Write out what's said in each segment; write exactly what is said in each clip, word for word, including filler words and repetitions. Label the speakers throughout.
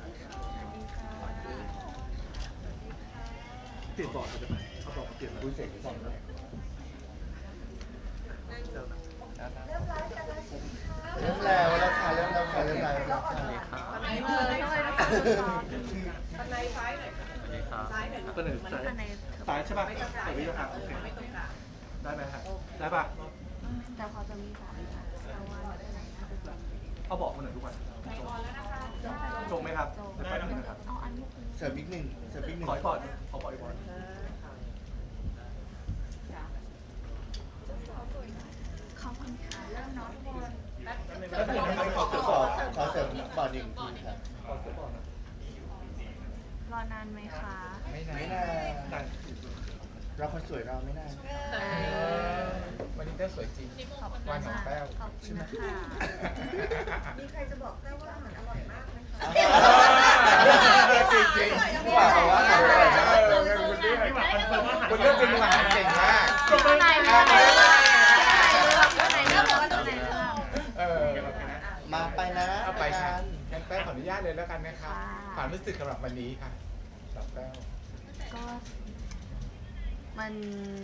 Speaker 1: เปลี่ยนบอร์ดจะไหมเอาบอร์ดมาเปลี่ยนคุยเสร็จก่อนเลยเริ่มแล้วแล้วค่ะเริ่มแล้วค่ะเริ่มแล้วแล้วค่ะ
Speaker 2: ปันไหนเออเลยนะคะปันไหนซ้ายหน่อยค่ะซ้ายหน่อย
Speaker 1: ตัวหนึ่งซ้ายซ้ายใช่ป่ะแต่วิธีทางโอเคได้ไหมฮะได้ป่ะ
Speaker 3: แต่พอจะมีสามค่ะแต่ว่าไหนน่าจะจบ
Speaker 1: เอาบอกมาหน่อยทุกวันจงไหมครับเดี๋ยวไปหนึ่งนะครับ
Speaker 3: เอาอันนี้คือ
Speaker 4: เสริมอีกหนึ่งเสริมอีกหนึ่ง
Speaker 1: ขออีกบอร์ดขอบอกอีกบอร์ด
Speaker 3: ขอบคุณค่ะเริ่มเนาะทุกคน
Speaker 4: ก็คือให้ขอขอขอเสริมบอร์ดหนึ่งทีครับ
Speaker 1: ขอเสริมบอร์ดนะ
Speaker 3: รอนานไหมคะ
Speaker 4: ไม่นานไม่นาน
Speaker 1: ได้
Speaker 4: เราคนสวยเราไม่นาน
Speaker 5: วันนี้แต้วสวยจริง
Speaker 3: ขอบคุณ
Speaker 5: วันของ
Speaker 3: มาก
Speaker 5: แต้ว
Speaker 3: ขอบคุณค่ะ
Speaker 2: มีใครจะบอกได้ว่าอาหารอร่อยมากไหมคะ
Speaker 4: จริงจริงๆว่าบอกว่าอร่อยมาก
Speaker 5: คุณเลือกเป็นอาหารเก่งมาก
Speaker 3: ข้างในเรื่องข้างในเรื่องข้างในเรื่องข้างในเรื่อง
Speaker 5: เออ
Speaker 4: มาไปนะ
Speaker 5: เอาไปค่ะ
Speaker 4: กัน
Speaker 5: งั้นแต้วขออนุญาตเลยแล้วกันนะครับความรู้สึกสำหรับวันนี้ค่ะสำหรับแต้ว
Speaker 3: ก็มัน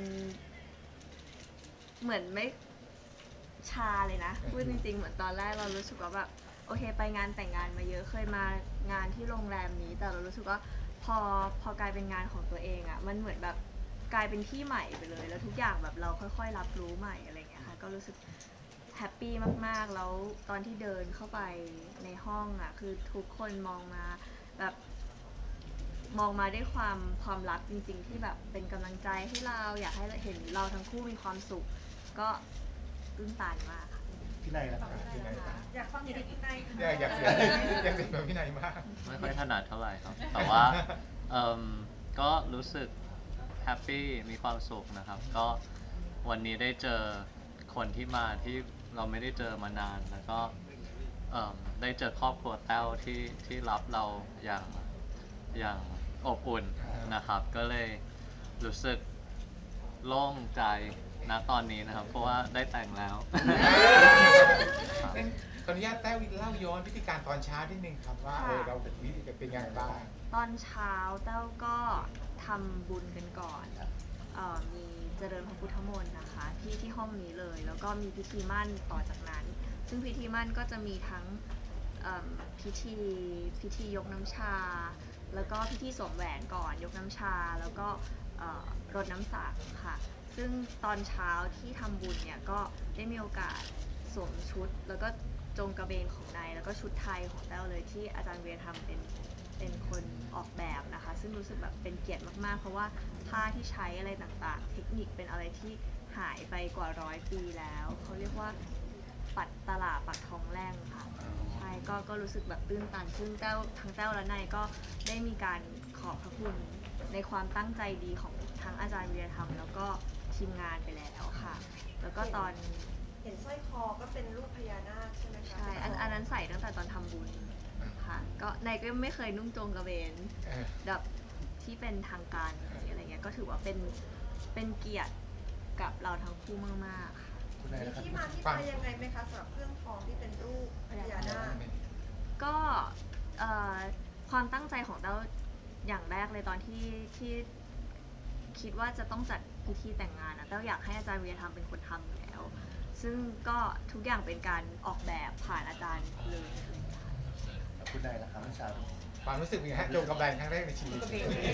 Speaker 3: เหมือนไม่ชาเลยนะพูดจริงๆเหมือนตอนแรกเรารู้สึกว่าแบบโอเคไปงานแต่งงานมาเยอะเคยมางานที่โรงแรมนี้แต่เรารู้สึกว่าพอพอกลายเป็นงานของตัวเองอะ่ะมันเหมือนแบบกลายเป็นที่ใหม่ไปเลยแล้วทุกอย่างแบบเราค่อยๆรับรู้ใหม่อะไรอย่างเงี้ยค่ะก็รู้สึกแฮปปี้มากๆแล้วตอนที่เดินเข้าไปในห้องอะ่ะคือทุกคนมองมาแบบมองมาด้วยความความรักจริงๆที่แบบเป็นกำลังใจให้เราอยากให้เห็นเราทั้งคู่มีความสุขก็ตื้นตันมากค่ะ
Speaker 4: พี่นายนะครับ
Speaker 5: พี่นายครับ
Speaker 2: อยากฟังเสียงพี่นายค่ะ
Speaker 5: อยากอยากเสียอยากเสียแบบพี่นายมาก
Speaker 6: ไม่ค่อยถนัดเท่าไหร่ครับ แต่ว่าเอิ่มก็รู้สึกแฮปปี้มีความสุขนะครับ ก็วันนี้ได้เจอคนที่มาที่เราไม่ได้เจอมานาน แล้วก็เอิ่มได้เจอครอบครัวแต้วที่ที่รับเราอย่างอย่างอบอุ่นนะครับ ก็เลยรู้สึกโล่งใจณตอนนี้นะครับ เพราะว่าได้แต่งแล้ว ครับ
Speaker 5: งั้นขออนุญาตแต้วเล่าย้อนพิธีการตอนเช้านิดนึงครับว่าเออเราเป็นวิธีเป็นยังไงบ้าง
Speaker 3: ตอนเช้าเต้าก็ทำบุญกันก่อนเอ่อมีเจริญพระพุทธมนต์นะคะที่ที่ห้องนี้เลย แล้วก็มีพิธีมั่นต่อจากนั้น ซึ่งพิธีมั่นก็จะมีทั้งเอิ่มพิธีพิธียกน้ำชา แล้วก็พิธีสวมแหวนก่อนยกน้ำชา แล้วก็เอ่อรดน้ำสังค่ะ ซึ่งตอนเช้าที่ทำบุญเนี่ยก็ได้มีโอกาสสวมชุด แล้วก็จงกระเบนของนายแล้วก็ชุดไทยของแต้วเลยที่อาจารย์เวียทำเป็นเป็นคนออกแบบนะคะ ซึ่งรู้สึกแบบเป็นเกียรติมากๆ เพราะว่าผ้าที่ใช้อะไรต่างๆ เทคนิคเป็นอะไรที่หายไปกว่าร้อยปีแล้วเขาเรียกว่าปัดตลาปัดทองแร่งค่ะใช่ก็ก็รู้สึกแบบตื้นตันซึ่งแต้วทั้งแต้วและนายก็ได้มีการขอบพระคุณในความตั้งใจดีของทั้งอาจารย์เวียทำแล้วก็ทีมงานไปแล้วค่ะ แล้วก็ตอน
Speaker 2: เห็นสร้อยคอก็เป็นรูปพญานาคใช่ไหมคะ
Speaker 3: ใช่อันอันนั้นใส่ตั้งแต่ตอนทำบุญค่ะ ก็นายก็ไม่เคยนุ่งโจงกระเบน
Speaker 5: เออ
Speaker 3: แบบที่เป็นทางการอะไรเงี้ย ก็ถือว่าเป็นเป็นเกียรติกับเราทั้งคู่มากๆค่ะ
Speaker 4: คุณนาย
Speaker 2: มี
Speaker 4: นะครับ
Speaker 2: ที่มาที่ไปยังไงไหมคะสำหรับเครื่องทองที่เป็นรูปพญานาค
Speaker 3: ก็เอ่อความตั้งใจของเราอย่างแรกเลยตอนที่ที่คิดว่าจะต้องจัดพิธีแต่งงานนะเต้าอยากให้อาจารย์เวียทำเป็นคนทำอยู่แล้ว ซึ่งก็ทุกอย่างเป็นการออกแบบผ่านอาจารย์เลย
Speaker 4: คุณนายนะครับเมื่อเช้า
Speaker 5: ความรู้สึกเป็นไงฮะโจงกำไรครั้งแรกในชีวิต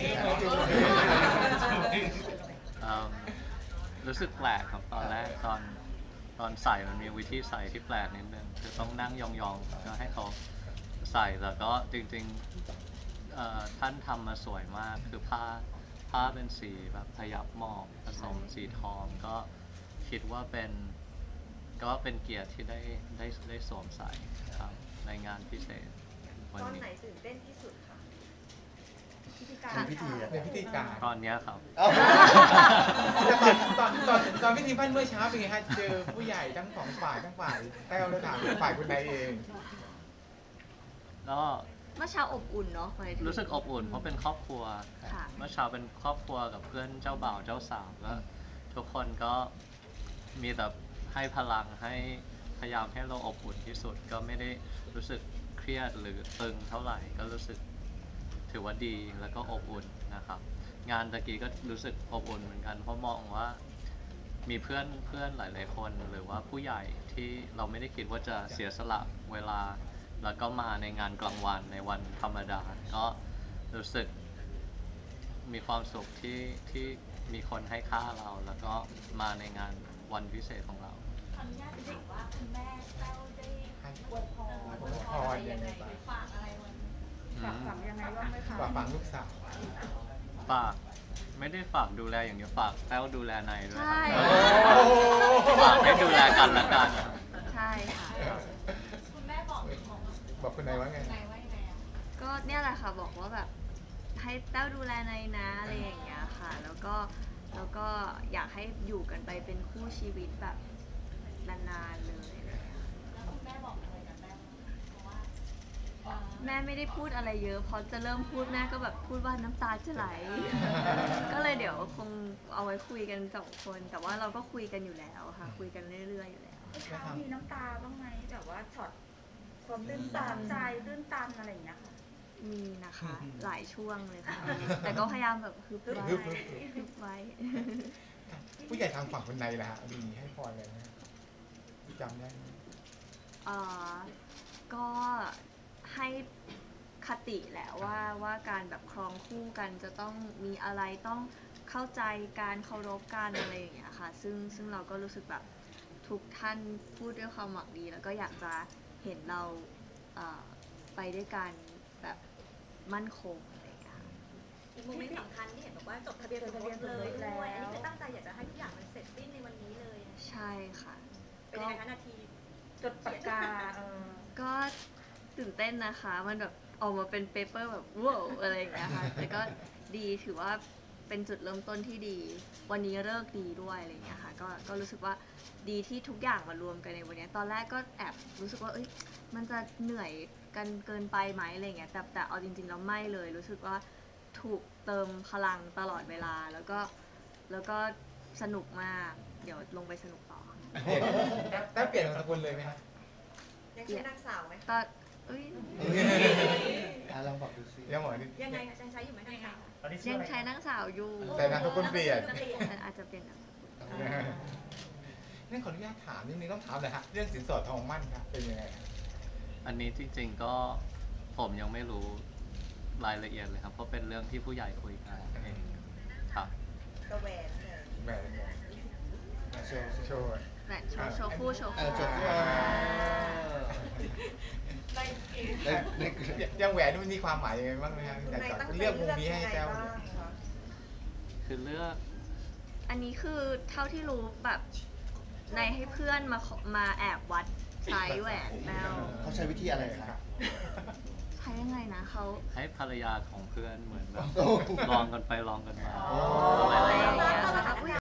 Speaker 6: เอิ่มรู้สึกแปลกครับตอนแรกตอนตอนใส่มันมีวิธีใส่ที่แปลกนิดนึงคือต้องนั่งยองๆก็ให้เขาใส่แต่ก็จริงๆเอ่อท่านทำมาสวยมากคือผ้าผ้าเป็นสีแบบพยับหมอกผสมสีทองก็คิดว่าเป็นก็เป็นเกียรติที่ได้ได้ได้สวมใส่ครับในงานพิเศษวัน
Speaker 2: ตอน
Speaker 6: นี้
Speaker 2: ไหนตื่นเต้นที่สุดคะพิธีการ
Speaker 4: เป็นพิธีอะ
Speaker 5: ในพิธีการ
Speaker 6: ตอนเนี้ยครับ
Speaker 4: เอ้า
Speaker 5: แต่ตอนตอนตอนตอนพิธีมั่นเมื่อเช้าเป็นไงฮะเจอผู้ใหญ่ทั้งสองฝ่ายทั้งฝ่ายแต้วและทางฝ่ายคุณนายเอง
Speaker 6: ก็
Speaker 3: เมื่อเช้าอบอุ่นเนาะหมายถึง
Speaker 6: รู้สึกอบอุ่นเพราะเป็นครอบครัว
Speaker 3: ค่ะ
Speaker 6: เมื่อเช้าเป็นครอบครัวกับเพื่อนเจ้าบ่าวเจ้าสาวแล้วทุกคนก็มีแต่ให้พลังให้พยายามให้เราอบอุ่นที่สุด ก็ไม่ได้รู้สึกเครียดหรือตึงเท่าไหร่ก็รู้สึกถือว่าดีแล้วก็อบอุ่นนะครับ งานตะกี้ก็รู้สึกอบอุ่นเหมือนกัน เพราะมองว่ามีเพื่อนเพื่อนหลาย ๆ คนหรือว่าผู้ใหญ่ที่เราไม่ได้คิดว่าจะเสียสละเวลา แล้วก็มาในงานกลางวันในวันธรรมดา ก็รู้สึกมีความสุขที่ที่มีคนให้ค่าเรา แล้วก็มาในงานวันพิเศษของเรา
Speaker 2: ขออนุญาตถามว่าคุณแม่แต้วได้อวยพร
Speaker 5: อวยพรยังไงบ้าง
Speaker 2: ฝากอะไรวัน
Speaker 6: อื
Speaker 2: ฝาก
Speaker 6: ม
Speaker 2: ฝังยังไงบ้างไหมคะ
Speaker 5: ฝากฝังลูกสาว
Speaker 6: ฝากไม่ได้ฝากดูแลอย่างเดียวฝากแต้วดูแลในายด้วย
Speaker 3: ใช่
Speaker 6: ครับฝากให้ดูแลกันและกัน
Speaker 3: ใช่ค่ะ
Speaker 2: คุณแม่บอกบอก
Speaker 5: บอกคุณนายว่าไง
Speaker 2: นายว่ายังไงอะ
Speaker 3: ก็เนี่ยแหละค่ะบอกว่าแบบให้แต้วดูแลในอยนะอะไรอย่างเงี้ยค่ะ แล้วก็แล้วก็อยากให้อยู่กันไปเป็นคู่ชีวิตแบบนานๆเลยอะไรอย่างเงี้ย
Speaker 2: แล้วคุณแม่บอกอะไรกับแต้วเพราะว่าเอ่อ
Speaker 3: แม่ไม่ได้พูดอะไรเยอะพอจะเริ่มพูดแม่ก็แบบพูดว่าน้ำตาจะไหล ก็เลยเดี๋ยวคงเอาไว้คุยกันสองคน แต่ว่าเราก็คุยกันอยู่แล้วค่ะ คุยกันเรื่อยๆอยู่แล้ว
Speaker 2: เช้ามีน้ำตาบ้างไหมแบบว่าช็อตความตื้นตันใจตื้นตันอะไรอย่างเงี้ยค่ะ
Speaker 3: มีนะคะ หลายช่วงเลยค่ะ แต่ก็พยายามแบบฮึบไว้
Speaker 5: ฮึบฮึบ
Speaker 3: ฮึบไว้
Speaker 5: ผู้ใหญ่ทางฝั่งคุณนายล่ะฮะมีให้พรอะไรไหมจำได้ไหม
Speaker 3: เอ่อก็ให้คติแหละว่าว่าการแบบครองคู่กันจะต้องมีอะไรต้องเข้าใจการเคารพกันอะไรอย่างเงี้ยค่ะ ซึ่งซึ่งเราก็รู้สึกแบบทุกท่านพูดด้วยความหวังดี แล้วก็อยากจะเห็นเราเอ่อไปด้วยกันแบบมั่นคงอะไรอย่างเงี้ยค่ะ
Speaker 7: อีกโมเมนต์สำคัญที่เห็นบอกว่าจดทะเบียนสมรสเลยด้วย อันนี้คือตั้งใจอยากจะให้ทุกอย่างมันเสร็จสิ้นในวันนี้เลย
Speaker 3: ใช่ค่ะ
Speaker 7: เป็นยังไงคะนาที
Speaker 2: จดปากกาเออ
Speaker 3: ก็ตื่นเต้นนะคะ มันแบบออกมาเป็นเปเปอร์แบบว้าวอะไรอย่างเงี้ยค่ะ แต่ก็ดีถือว่าเป็นจุดเริ่มต้นที่ดี วันนี้เลิกษ์ดีด้วยอะไรอย่างเงี้ยค่ะ ก็ก็รู้สึกว่าดีที่ทุกอย่างมารวมกันในวันเนี้ยตอนแรกก็แอบรู้สึกว่า เอ้ย มันจะเหนื่อยกันเกินไปไหมอะไรอย่างเงี้ย แต่แต่เอาจริงๆแล้วไม่เลย รู้สึกว่าถูกเติมพลังตลอดเวลา แล้วก็แล้วก็สนุกมาก เดี๋ยวลงไปสนุกต่อ
Speaker 5: เปลี่ยนได้เปลี่ยนนามสกุลเลยไหมฮะ
Speaker 7: ยังชื่อนางสาวไหม
Speaker 3: ตอนเอ้ย
Speaker 4: อ่ะลองบอกดูสิ
Speaker 5: ยังหมอนี่
Speaker 7: ยังไงคะยังใช้อยู่ไหมนางสาว
Speaker 3: ยังใช้นางสาวอยู่
Speaker 5: แต่นามสกุลเปลี่ยน
Speaker 3: แต่อาจจะเป็นนามสกุล
Speaker 5: นั่นขออนุญาตถามนิดนึงต้องถามเลยฮะเรื่องสินสอดทองมั่นครับเป็นยังไงฮะ
Speaker 6: อันนี้จริงๆก็ผมยังไม่รู้รายละเอียดเลยครับ เพราะเป็นเรื่องที่ผู้ใหญ่คุยกันเองครับ
Speaker 7: กระแหวนเลย
Speaker 5: แหวนแหวน
Speaker 4: โชว์
Speaker 5: โชว์
Speaker 3: แหวนโชว์โชว์คู่โชว์
Speaker 4: เอ
Speaker 3: คู่
Speaker 4: อโชว์คู่
Speaker 2: ในเอง
Speaker 4: ได้ได้
Speaker 5: ยังแหวนนี่มันมีความหมายยังไงบ้างไหมฮะอยากจะเลือกมุมนี้ให้แต้วเนี่ย
Speaker 6: คือเลือก
Speaker 3: อันนี้คือเท่าที่รู้แบบในให้เพื่อนมาขอมาแอบวัดไซส์แหวนแมว
Speaker 4: เขาใช้วิธีอะไรครับ
Speaker 3: ใช้ยังไงนะเขา
Speaker 6: ให้ภรรยาของเพื่อนเหมือนแบบ
Speaker 4: โอ้
Speaker 6: ลองกันไปลองกันมา
Speaker 5: โอ้
Speaker 6: อะไร
Speaker 3: อะไร
Speaker 6: อ
Speaker 3: อย่
Speaker 6: า
Speaker 3: ย่าง ง
Speaker 6: เงี้
Speaker 3: เงี้
Speaker 6: ย
Speaker 3: ยค่ะ